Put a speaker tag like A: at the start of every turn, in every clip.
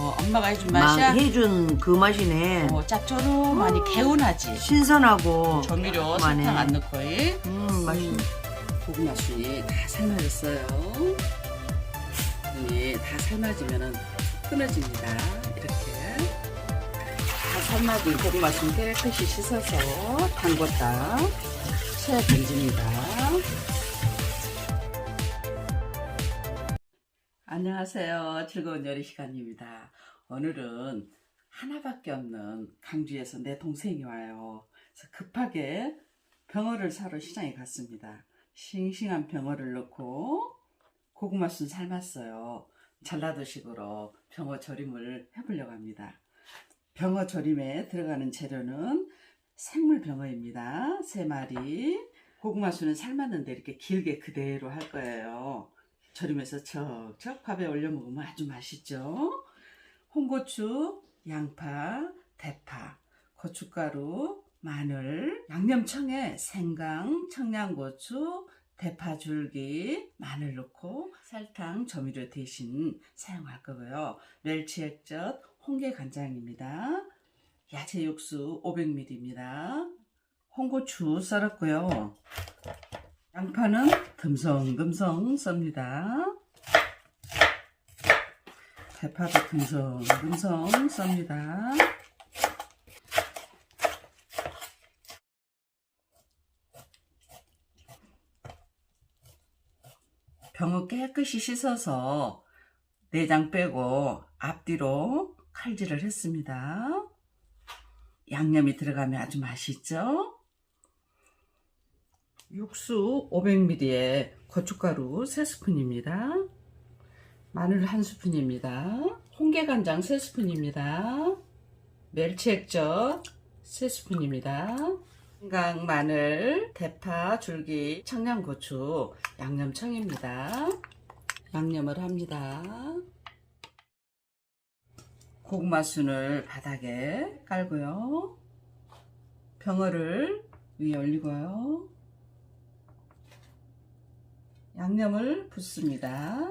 A: 엄마가 해준
B: 막
A: 맛이야?
B: 해준 그 맛이네.
A: 짭조름하니 개운하지.
B: 신선하고
A: 조미료
B: 그만해.
A: 설탕 안 넣고.
B: 맛있네.
A: 고구마 순이 다 삶아졌어요. 순이 다 삶아지면은 끊어집니다. 이렇게 다 삶아진 고구마 순 깨끗이 씻어서 담궜다 채 던집니다. 안녕하세요. 즐거운 요리 시간입니다. 오늘은 하나밖에 없는 강주에서 내 동생이 와요. 그래서 급하게 병어를 사러 시장에 갔습니다. 싱싱한 병어를 넣고 고구마 순 삶았어요. 전라도식으로 병어 조림을 해보려고 합니다. 병어 조림에 들어가는 재료는 생물 병어입니다. 3마리. 고구마 순은 삶았는데 이렇게 길게 그대로 할 거예요. 조림해서 척척 밥에 올려 먹으면 아주 맛있죠. 홍고추, 양파, 대파, 고춧가루, 마늘, 양념청에 생강, 청양고추, 대파 줄기, 마늘 넣고 설탕, 조미료 대신 사용할 거고요. 멸치 액젓, 홍게 간장입니다. 야채 육수 500ml입니다. 홍고추 썰었고요. 양파는 듬성듬성 썹니다. 대파도 듬성듬성 썹니다. 병어 깨끗이 씻어서 내장 빼고 앞뒤로 칼질을 했습니다. 양념이 들어가면 아주 맛있죠? 육수 500ml에 고춧가루 3스푼입니다. 마늘 1스푼입니다. 홍게간장 3스푼입니다. 멸치액젓 3스푼입니다. 생강, 마늘, 대파, 줄기, 청양고추, 양념청입니다. 양념을 합니다. 고구마 순을 바닥에 깔고요. 병어를 위에 올리고요. 양념을 붓습니다.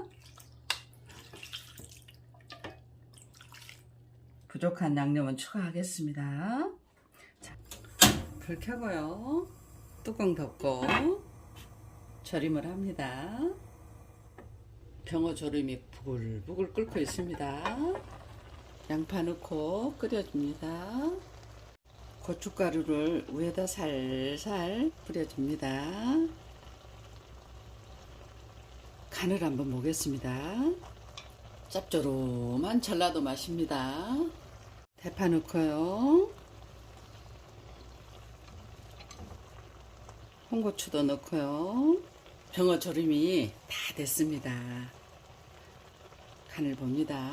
A: 부족한 양념은 추가하겠습니다. 자, 불 켜고요. 뚜껑 덮고 조림을 합니다. 병어 조림이 부글부글 끓고 있습니다. 양파 넣고 끓여줍니다. 고춧가루를 위에다 살살 뿌려줍니다. 간을 한번 보겠습니다. 짭조름한 전라도 맛입니다. 대파 넣고요. 홍고추도 넣고요. 병어 조림이 다 됐습니다. 간을 봅니다.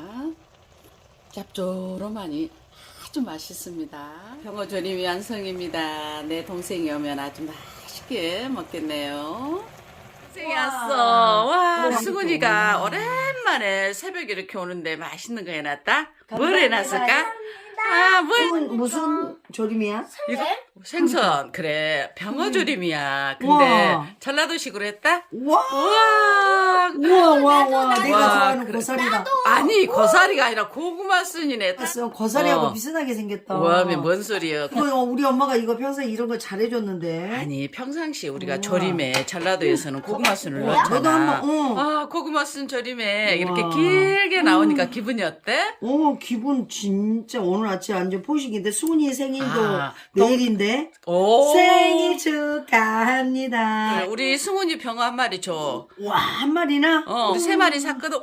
A: 짭조름하니 아주 맛있습니다. 병어 조림이 완성입니다. 내 동생이 오면 아주 맛있게 먹겠네요. 동생이 왔어. 와, 수근이가 오랜만에 새벽에 이렇게 오는데 맛있는 거 해놨다? 뭘 해놨을까? 아,
B: 무슨 조림이야?
A: 이거 생선. 그래, 병어 조림이야. 근데
B: 우와.
A: 전라도식으로 했다?
B: 와,
A: 우와.
B: 와, 내가
A: 와,
B: 좋아하는
A: 그래.
B: 고사리다.
A: 아니, 고사리가 아니라 고구마 순이네.
B: 고사리하고
A: 어.
B: 비슷하게 생겼다.
A: 와, 뭔 소리야.
B: 그거 우리 엄마가 이거 평소에 이런 거 잘해줬는데.
A: 아니, 평상시 우리가
B: 우와.
A: 조림에 전라도에서는 고구마 순을
B: 너도
A: 넣잖아.
B: 한번,
A: 아, 고구마 순 조림에 이렇게
B: 우와.
A: 길게 나오니까 기분이 어때?
B: 기분 진짜 오늘 아침 완전 포식인데 수은이 생일도
A: 아,
B: 내일인데
A: 오.
B: 생일 축하합니다.
A: 그래, 우리 승훈이 병어 한 마리 줘.
B: 와, 한 마리나?
A: 우리 3마리 샀거든.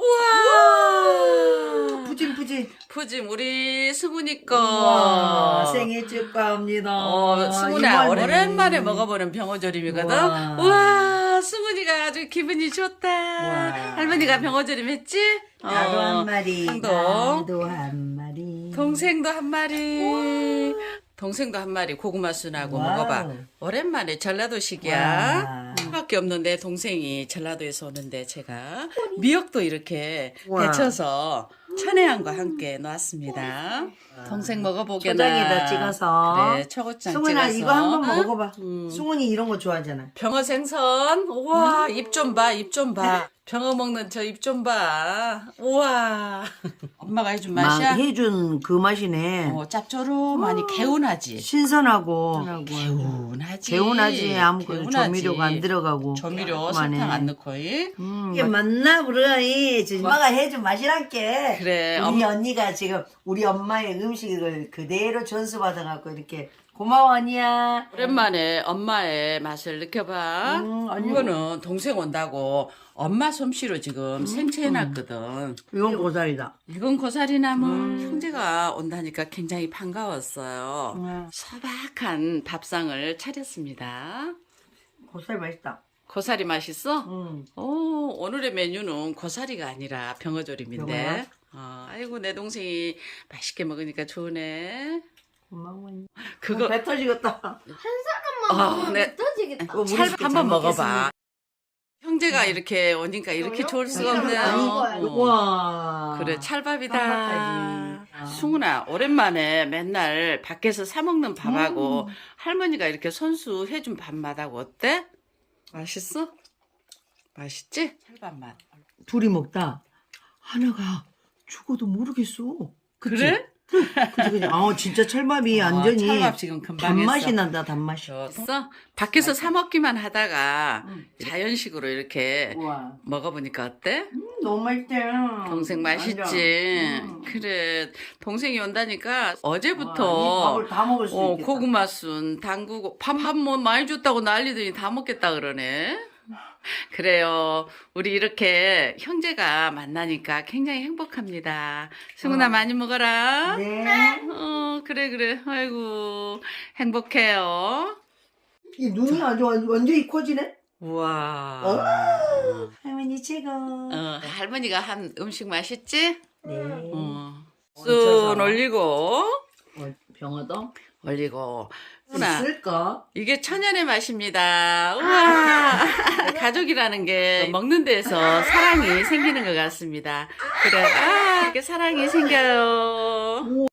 A: 우와.
B: 푸짐푸짐.
A: 푸짐, 우리 승훈이 거.
B: 와, 생일 축하합니다.
A: 승훈아,
B: 이번에.
A: 오랜만에 먹어보는 병어조림이거든.
B: 우와.
A: 우와, 승훈이가 아주 기분이 좋다.
B: 우와.
A: 할머니가 병어조림 했지?
B: 나도 한 마리.
A: 형도.
B: 나도 한 마리.
A: 동생도 한 마리. 동생도 한 마리 고구마 순하고
B: 와우.
A: 먹어봐. 오랜만에 전라도식이야.
B: 와.
A: 밖에 없는데 동생이 전라도에서 오는데 제가 미역도 이렇게
B: 와.
A: 데쳐서 천혜향과 함께 놨습니다. 동생 먹어보게나.
B: 초장에다 찍어서.
A: 그래, 초고장
B: 승훈아
A: 찍어서.
B: 이거 한번 먹어봐.
A: 음.
B: 승훈이 이런 거 좋아하잖아.
A: 병어 생선. 우와, 입 좀 봐, 입 좀 봐. 병어 먹는 저 입 좀 봐. 우와. 엄마가 해준
B: 막
A: 맛이야?
B: 해준 그 맛이네.
A: 짭조름하니 개운하지.
B: 신선하고
A: 개운하지.
B: 개운하지. 아무것도
A: 개운하지.
B: 조미료가 안 들어가고.
A: 조미료
B: 그만해.
A: 설탕 안 넣고.
B: 이게 맞나 그래. 엄마가 해준 맛이란게.
A: 그래,
B: 우리 언니가 지금 우리 엄마의 음식을 그대로 전수받아갖고 이렇게 고마워 언니야.
A: 오랜만에 엄마의 맛을 느껴봐. 이거는 동생 온다고 엄마 솜씨로 지금 생채해놨거든.
B: 이건 고사리다.
A: 이건 고사리나물. 형제가 온다니까 굉장히 반가웠어요. 소박한 밥상을 차렸습니다.
B: 고사리 맛있다.
A: 고사리 맛있어?
B: 응.
A: 오늘의 메뉴는 고사리가 아니라 병어조림인데. 아이고 내 동생이 맛있게 먹으니까 좋으네.
B: 고마워 언니.
A: 그거
B: 배 터지겠다.
C: 한 사람만 먹으면
A: 네.
C: 터지겠다.
A: 한번 먹어봐. 형제가 이렇게 오니까 이렇게 좋을 수가 없네요.
B: 와.
A: 그래 찰밥이다.
B: 찰밥까지.
A: 승훈아 오랜만에 맨날 밖에서 사 먹는 밥하고 할머니가 이렇게 손수 해준 밥맛하고 어때? 맛있어? 맛있지? 찰밥 맛.
B: 둘이 먹다 하나가 죽어도 모르겠어. 그치?
A: 그래?
B: 그치. 진짜 찰밥이 완전히
A: 찰밥 지금 금방
B: 단맛이
A: 했어.
B: 난다 단맛이.
A: 밖에서 사 먹기만 하다가 자연식으로 이렇게
B: 우와.
A: 먹어보니까 어때?
B: 너무 맛있다.
A: 동생 맛있지? 그래 동생이 온다니까
B: 이
A: 어제부터
B: 밥을 다 먹을 수 있겠다.
A: 고구마순 담그고 밥 뭐 많이 줬다고 난리더니 다 먹겠다 그러네. 그래요. 우리 이렇게 형제가 만나니까 굉장히 행복합니다. 승훈아 많이 먹어라.
B: 네.
A: 그래. 아이고 행복해요.
B: 이 눈이 아주 완전히 커지네.
A: 우와.
B: 할머니 최고.
A: 할머니가 한 음식 맛있지?
B: 네.
A: 순 올리고
B: 병어도
A: 올리고. 훈아,
B: 쓸까?
A: 이게 천연의 맛입니다. 우와. 가족이라는 게 먹는 데서 사랑이 생기는 것 같습니다. 그래, 이렇게 사랑이 생겨요.